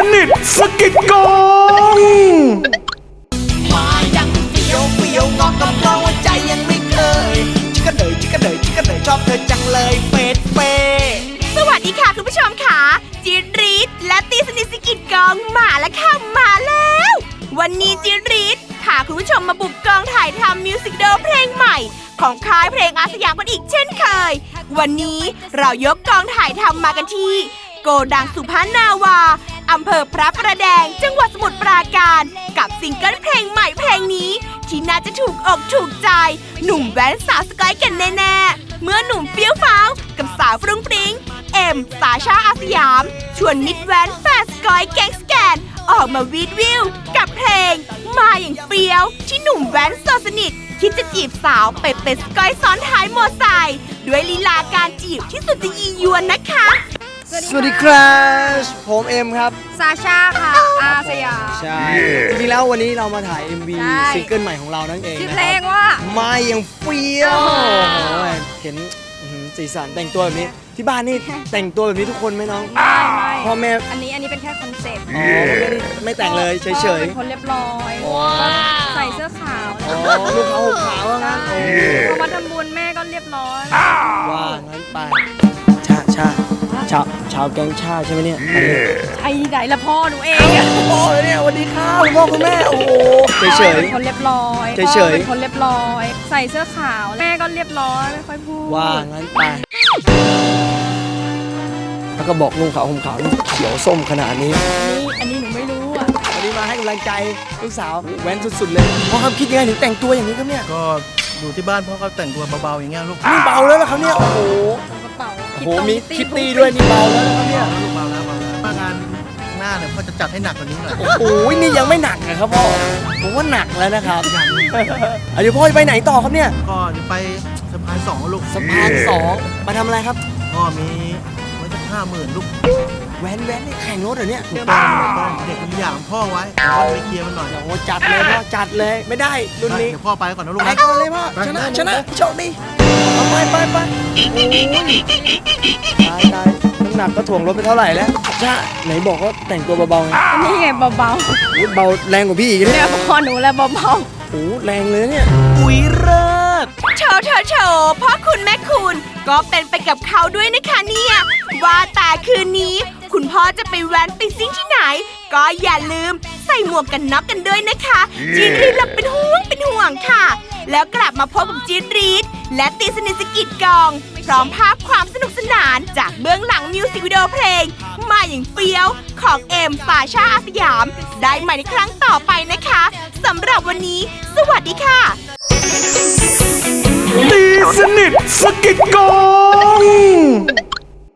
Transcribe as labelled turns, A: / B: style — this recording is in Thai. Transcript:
A: นิทสกิดกอง
B: มายังเฟียวเฟียวงอกกับเราใจยังไม่เคยชิคกระเดยชิคกระเดยชิคกระเดยชอบเธอจังเลยเฟดเฟ
C: สวัสดีค่ะคุณผู้ชมค่ะจีนรีดและตีสนิทสกิดกองมาแล้วค่ะมาแล้ววันนี้จีนรีดพาคุณผู้ชมมาบุกกองถ่ายทำมิวสิกวิดีโอเพลงใหม่ของค่ายเพลงอาสยามกันอีกเช่นเคยวันนี้เรายกกองถ่ายทำมากันที่โกดังสุพรรณนาวาอำเภอพระประแดงจังหวัดสมุทรปราการกับซิงเกิลเพลงใหม่เพลงนี้ที่น่าจะถูกอกถูกใจหนุ่มแว้นสาวสกอยกันแน่ๆเมื่อหนุ่มเฟี้ยวฟ้าวกับสาวฟรุ้งฟริ้งเอ็มสาชาอาสยามชวนมิดแว้นแฟนสกอยแก๊งสแกนออกมาวีดวิวกับเพลงมาอย่างเฟี้ยวที่หนุ่มแว้นโซสนิทคิดจะจีบสาวไปเป็นสกอยซ้อนท้ายมอไซค์ด้วยลีลาการจีบที่สุดจะยียวนนะคะ
D: สวัสดีครับผมเอ็มครับ
E: ซาชาค่ะอาสยาม
D: ใช่จริงๆแล้ววันนี้เรามาถ่าย MV ซิงเกิลใหม่ของเรานั่นเอง
E: ชื่อเพลงว่า
D: มาอย่างเฟี้ยวเห็นสีสันแต่งตัวแบบนี้ที่บ้านนี่แต่งตัวแบบนี้ทุกคนไหมน้อง
E: ไม่
D: พ่อแม่
E: อันนี้เป็นแค่คอนเซ็ปต์
D: ไม่แต่งเลยเฉยๆ
E: เป็นคนเรียบร้อยใส่เสื้อขาว
D: ลูกเขาห่มขาวว่างั้น
E: พอมาทำบุญแม่ก็เรียบร้อย
D: ว่างั้นไปชาวแก๊งชาใช่ไหมเนี่ย
E: ใช่ไหนละพ่อหนูเอง
D: พ่อเลยเนี่ยวันดีครับพ่อคุณแม่โอ้โหเฉยๆ
E: เป็นคนเรียบร้อยเป็นคนเรียบร้อยใส่เสื้อขาวแม่ก็เรียบร้อยไม่ค่อยพูด
D: ว่างั้นไปแล้วก็บอกลุงขาวห่มขาวเขียวส้มขนาดนี้
E: อันนี้หนูไม่รู้อ่ะ
D: วันนี้มาให้กำลังใจลูกสาวแว้นสุดๆเลยพ่อครับคิดยังไงถึงแต่งตัวอย่างนี้ครับเนี่ย
F: ก็อยู่ที่บ้านพ่อก็แต่งตัวเบาๆอย่างเงี้ยลูก
D: นี่เบาแล้วครับเนี่ยโอ้โหมีคิตตี้ด้วยนี่เบาแล้วนะครับเนี่ย
F: ลูกเบาแล้วงานหน้าเนี่ยพ่อจะจัดให้หนักกว่านี้หน่อย
D: โอ้ยนี่ยังไม่หนักนะครับพ่อผมว่าหนักแล้วนะครับเดี๋ยวพ่อจะไปไหนต่อครับเนี่ย
F: ก็จะไปสะพาน2ลูก
D: สะพาน2มาทำอะไรครับ
F: พ่อมีไว้จะ50,000ลูก
D: แว้นนี่แข่งรถเหรอเนี่ย
F: ถูกต้องเด็กมีอย่างพ่อไว้พ่อไปเคลียร์มันหน่อย
D: โอ้จัดเลยพ่อจัดเลยไม่ได้รุ่นนี้
F: เดี๋ยวพ่อไปก่อนนะลูก
D: ไปก่อนเลยพ่อชนะโชคดีไปน้ำหนักก็ถ่วงรถไปเท่าไหร่แล้วจ้าไหนบอกว่าแต่งตัวเบาๆไง
E: นี่ไงเบา
D: เบาแรงกว่าพี่อีก
E: เนี่ยพ่อหนูแล้วเบา
D: โอ้แรงเลยเนี่ย
C: อุ๊ยเลิศโชว์พ่อคุณแม่คุณก็เป็นไปกับเขาด้วยนะคะเนี่ยว่าแต่คืนนี้คุณพ่อจะไปแว้นไปซิ่งที่ไหนก็อย่าลืมใส่หมวกกันน็อกกันด้วยนะคะจีนรีดเป็นห่วงค่ะแล้วกลับมาพบกับจีนรีดและตีสนิทสกิดกองพร้อมภาพความสนุกสนานจากเบื้องหลังมิวสิกวิดีโอเพลงมาอย่างเฟี้ยวของเอ็มสาชาอาสยามได้ใหม่ในครั้งต่อไปนะคะสำหรับวันนี้สวัสดีค่ะ
A: ตีสนิทสกิดกอง